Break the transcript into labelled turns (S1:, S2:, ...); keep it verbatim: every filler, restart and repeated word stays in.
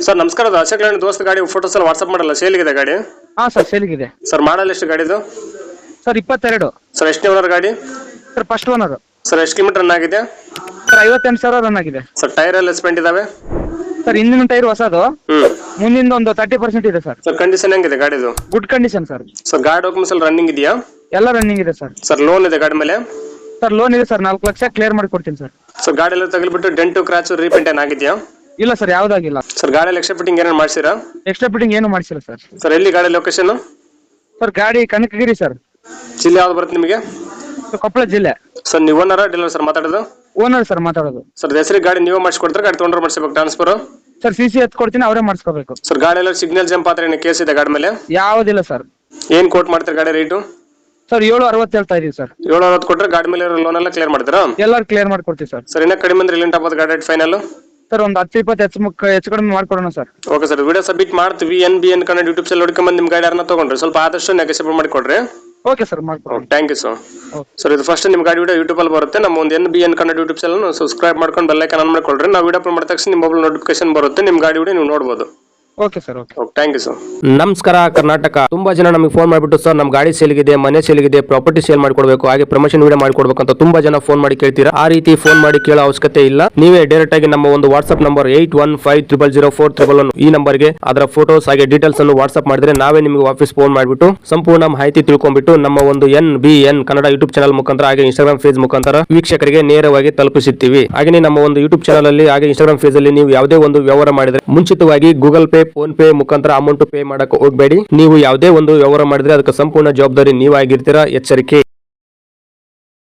S1: Sir ನಮಸ್ಕಾರ, ಅದು Ashok Layland ದೋಸ್ತ ಗಾಡಿ ಫೋಟೋಸ್ ಎಲ್ಲ ವಾಟ್ಸ್ಆಪ್ ಮಾಡಲ್ಲ, ಸೇಲಿಗಿದೆ ಗಾಡಿ.
S2: ಹಾ ಸರ್ ಸೇಲಿಗಿದೆ.
S1: ಸರ್ ಮಾಡಲ್ ಎಷ್ಟು ಗಾಡಿದು?
S2: ಸರ್ ಇಪ್ಪತ್ತೆರಡು.
S1: ಸರ್ ಎಷ್ಟನೇ ಓನರ್ ಗಾಡಿ?
S2: Sir first owner.
S1: ಸರ್ ಎಷ್ಟು ಕಿಲೋಮೀಟರ್ ರನ್ ಆಗಿದೆ?
S2: ಸರ್ ಐವತ್ತೆಂಟು ಸಾವಿರ ರನ್ ಆಗಿದೆ.
S1: ಸರ್ ಟೈರ್ ಎಲ್ಲ ಸ್ಪೆಂಟ್ ಇದಾವೆ?
S2: ಸರ್ ಹಿಂದಿನ ಟೈರ್ ಹೊಸದು,
S1: ಹ್ಮ್
S2: ಮುಂದಿನ ಒಂದು ತರ್ಟಿ ಪರ್ಸೆಂಟ್ ಇದೆ ಸರ್.
S1: ಸರ್ ಕಂಡೀಷನ್ ಹೆಂಗಿದೆ ಗಾಡಿದು?
S2: Good condition sir.
S1: ಸರ್ ಗಾಡಿ ಡಾಕ್ಯುಮೆಂಟ್ಸ್ ಎಲ್ಲ ರನ್ನಿಂಗ್ ಇದೆಯಾ?
S2: ಎಲ್ಲ ರನ್ನಿಂಗ್ ಇದೆ ಸರ್.
S1: ಸರ್ ಲೋನ್ ಇದೆ ಗಾಡಿ ಮೇಲೆ?
S2: ಸರ್ ಲೋನ್ ಇದೆ ಸರ್, ನಾಲ್ಕು ಲಕ್ಷ ಕ್ಲಿಯರ್ ಮಾಡಿ ಕೊಡ್ತೀನಿ ಸರ್.
S1: ಸರ್ ಗಾಡಿ ಎಲ್ಲ ತಗಲಿಬಿಟ್ಟು ಡೆಂಟು ಕ್ರಾಚು ರೀಪೇಂಟ್ ಏನಾಗಿದೆಯಾ?
S2: ಇಲ್ಲ ಸರ್, ಯಾವ್ದಾಗಿಲ್ಲ.
S1: ಸರ್ ಗಾಡಿಯಲ್ಲಿ ಎಕ್ಸ್ಟ್ರಾ ಫಿಟ್ಟಿಂಗ್ ಏನೇನು ಮಾಡಿಸಿರಾ?
S2: ಎಕ್ಸ್ಟ್ರಾ ಫಿಟ್ಟಿಂಗ್ ಏನು ಮಾಡಿಸಿಲ್ಲ ಸರ್.
S1: ಸರ್ ಎಲ್ಲಿ ಗಾಡಿ ಲೊಕೇಶನ್?
S2: ಸರ್ ಗಾಡಿ ಕನಕಗಿರಿ ಸರ್.
S1: ಜಿಲ್ಲೆ ಯಾವ್ದು ಬರುತ್ತೆ ನಿಮಗೆ?
S2: ಸರ್ ಕೊಪ್ಪಳ ಜಿಲ್ಲೆ.
S1: ಸರ್ ನೀವು ಓನರ ಡೀಲರ್ ಸರ್ ಮಾತಾಡೋದು?
S2: ಓನರ್ ಸರ್ ಮಾತಾಡೋದು.
S1: ಸರ್ ಹೆಸರಿಗೆ ಗಾಡಿ ನೀವೇ ಮಾಡಿಸ್ಕೊಡ್ತಾರೆ, ಗಾಡಿ ತೊಗೊಂಡ್ರೆ ಮಾಡಿಸ್ಬೇಕು ಟ್ರಾನ್ಸ್ಫರ್?
S2: ಸರ್ ಸಿ ಸಿ ಎತ್ ಕೊಡ್ತೀನಿ, ಅವರೇ ಮಾಡಿಸ್ಕೋಬೇಕು.
S1: ಸರ್ ಗಾಡಿ ಎಲ್ಲ ಸಿಗ್ನಲ್ ಜಂಪ್ ಆದ್ರೆ ಏನು ಕೇಸ್ ಇದೆ ಗಾಡಿ ಮೇಲೆ?
S2: ಯಾವುದಿಲ್ಲ ಸರ್.
S1: ಏನ್ ಕೋಟ್ ಮಾಡ್ತಾರೆ ಗಾಡಿ ರೇಟು?
S2: ಸರ್ ಏಳು ಅರವತ್ತು ಹೇಳ್ತಾ ಇದೀವಿ ಸರ್.
S1: ಏಳು ಅರವತ್ತು ಕೊಟ್ಟರೆ ಗಾಡಿ ಮೇಲೆ ಲೋನ್ ಎಲ್ಲ ಕ್ಲಿಯರ್ ಮಾಡ್ತೀರಾ?
S2: ಎಲ್ಲರೂ ಕ್ಲಿಯರ್ ಮಾಡ್ಕೊಡ್ತೀವಿ ಸರ್.
S1: ಸರ್ ಇನ್ನ ಕಡಿಮೆ ಅಂದ್ರೆ ಎಲ್ಲಿಂಟ ಆಗ್ಬೋದು ಗಾಡಿ ರೇಟ್ ಫೈನಲ್?
S2: ಸರ್ ಒಂದು ಹತ್ತು ಇಪ್ಪತ್ತು ಹೆಚ್ಚು ಮುಖ ಹೆಚ್ಚು ಕಡಿಮೆ ಮಾಡ್ಕೊಡೋಣ sir.
S1: Okay sir, video submit ಮಾಡ್ತೀವಿ. N B N Kannada YouTube channel ನೋಡ್ಕೊಂಬಂದು ನಿಮ್ಮ ಗಾಡಿ ಯಾರನ್ನ ತಗೊಂಡ್ರಿ ಸ್ವಲ್ಪ ಆದಷ್ಟು ನೆಗೆಸಿಬಲ್ ಮಾಡಿಕೊಡ್ರಿ.
S2: ಓಕೆ ಸರ್ ಮಾಡ್ಕೊಡ್ರಿ.
S1: Thank you sir. ಸರ್ ಇದು ಫಸ್ಟ್ ನಿಮ್ಮ ಗಾಡಿ ವಿಡಿಯೋ ಯೂಟ್ಯೂಬ್ ಅಲ್ಲಿ ಬರುತ್ತೆ. ನಮ್ಮ ಒಂದು N B N Kannada YouTube channel subscribe ಮಾಡ್ಕೊಂಡು ಬೆಲ್ ಐಕಾನ್ ಆನ್ ಮಾಡ್ಕೊಳ್ರಿ. ನಾವು ವಿಡಿಯೋ ಅಪ್ಲೋಡ್ ಮಾಡಿದ ತಕ್ಷಣ ನಿಮ್ಮ ಮೊಬೈಲ್ ನೋಟಿಫಿಕೇಶನ್ ಬರುತ್ತೆ, ನಿಮ್ಮ ಗಾಡಿ ವಿಡಿಯೋ ನೀವು ನೋಡಬಹುದು.
S2: Okay sir. Okay
S1: thank you sir.
S3: ನಮಸ್ಕಾರ ಕರ್ನಾಟಕ. ತುಂಬಾ ಜನ ನಮಗೆ ಫೋನ್ ಮಾಡಿಬಿಟ್ಟು ಸರ್ ನಮ್ಮ ಗಾಡಿ ಸೇಲ್ಗಿದೆ, ಮನೆ ಸೇಲ್ಗಿದೆ, ಪ್ರಾಪರ್ಟಿ ಸೇಲ್ ಮಾಡ್ಕೊಡ್ಬೇಕು, ಹಾಗೆ ಪ್ರಮೋಷನ್ ವಿಡಿಯೋ ಮಾಡ್ಕೊಡ್ಬೇಕು ಅಂತ ತುಂಬಾ ಜನ ಫೋನ್ ಮಾಡಿ ಕೇಳ್ತೀರಾ. ಆ ರೀತಿ ಫೋನ್ ಮಾಡಿ ಕೇಳೋ ಅವಶ್ಯಕತೆ ಇಲ್ಲ. ನೀವೇ ಡೈರೆಕ್ಟ್ ಆಗಿ ನಮ್ಮ ಒಂದು WhatsApp number eight one five triple zero four triple one ಈ ನಂಬರ್ಗೆ ಅದರ ಫೋಟೋಸ್ ಹಾಗೆ ಡೀಟೇಲ್ಸ್ ಅನ್ನು ವಾಟ್ಸ್ಆಪ್ ಮಾಡಿದ್ರೆ ನಾವೇ ನಿಮಗೆ ವಾಪಸ್ ಫೋನ್ ಮಾಡಿಬಿಟ್ಟು ಸಂಪೂರ್ಣ ಮಾಹಿತಿ ತಿಳ್ಕೊಂಡ್ಬಿಟ್ಟು ನಮ್ಮ ಒಂದು N B N Kannada YouTube channel ಮುಖಾಂತರ ಹಾಗೆ ಇನ್ಸ್ಟಾಗ್ರಾಮ್ ಪೇಜ್ ಮುಖಾಂತರ ವೀಕ್ಷಕರಿಗೆ ನೇರವಾಗಿ ತಲುಪಿಸುತ್ತೀವಿ. ಹಾಗೆ ನಮ್ಮ ಒಂದು ಯೂಟ್ಯೂಬ್ ಚಾನಲ್ ಅಲ್ಲಿ ಹಾಗೆ ಇನ್ಸ್ಟಾಗ್ರಾಮ್ ಪೇಜ್ ಅಲ್ಲಿ ನೀವು ಯಾವುದೇ ಒಂದು ವ್ಯವಹಾರ ಮಾಡಿದ್ರೆ ಮುಂಚಿತವಾಗಿ ಗೂಗಲ್ ಪೇ, ಫೋನ್ ಪೇ ಮುಖಾಂತರ ಅಮೌಂಟ್ ಪೇ ಮಾಡಕ್ಕೆ ಹೋಗಬೇಡಿ. ನೀವು ಯಾವುದೇ ಒಂದು ವ್ಯವಹಾರ ಮಾಡಿದ್ರೆ ಅದಕ್ಕೆ ಸಂಪೂರ್ಣ ಜವಾಬ್ದಾರಿ ನೀವಾಗಿರ್ತೀರಾ, ಎಚ್ಚರಿಕೆ.